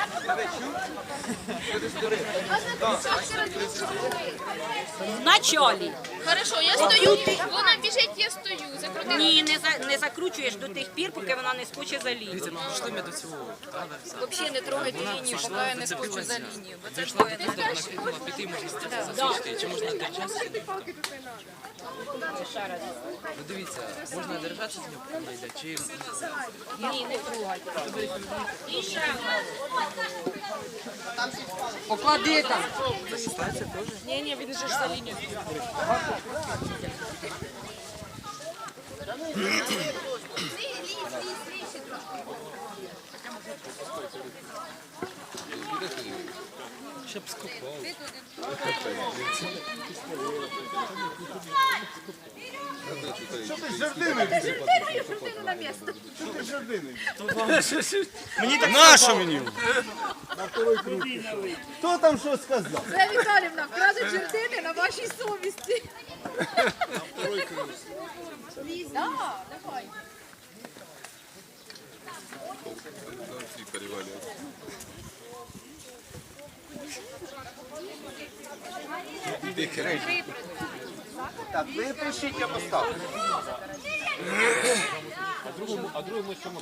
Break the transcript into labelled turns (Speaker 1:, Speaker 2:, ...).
Speaker 1: В началі.
Speaker 2: Хорошо, я стою, вона біжить, я стою. Закрути.
Speaker 1: Ні, не закручуєш до тих пір, поки вона не скоче за лінію.
Speaker 3: Пішли ми до цього.
Speaker 2: Взагалі не трогайте лінію, поки я не скочу за лінію. Бо це
Speaker 3: Вийшла до вона крикнула, піти можна засвідчити. Чи можна той час? Ну дивіться, можна держатися з нього, поки вона йде, чи...
Speaker 1: Ні, не трогайте. І ще.
Speaker 4: Поклади там.
Speaker 1: Ні, відійдеш за лінію.
Speaker 3: Щоб скупав.
Speaker 5: Нащо мені?
Speaker 6: Хто там що сказав?
Speaker 7: Це Віталівна, крадуть жердини на вашій совісті. Так, давай.
Speaker 6: Так, ви пишіть, я поставлю.
Speaker 5: А другому чому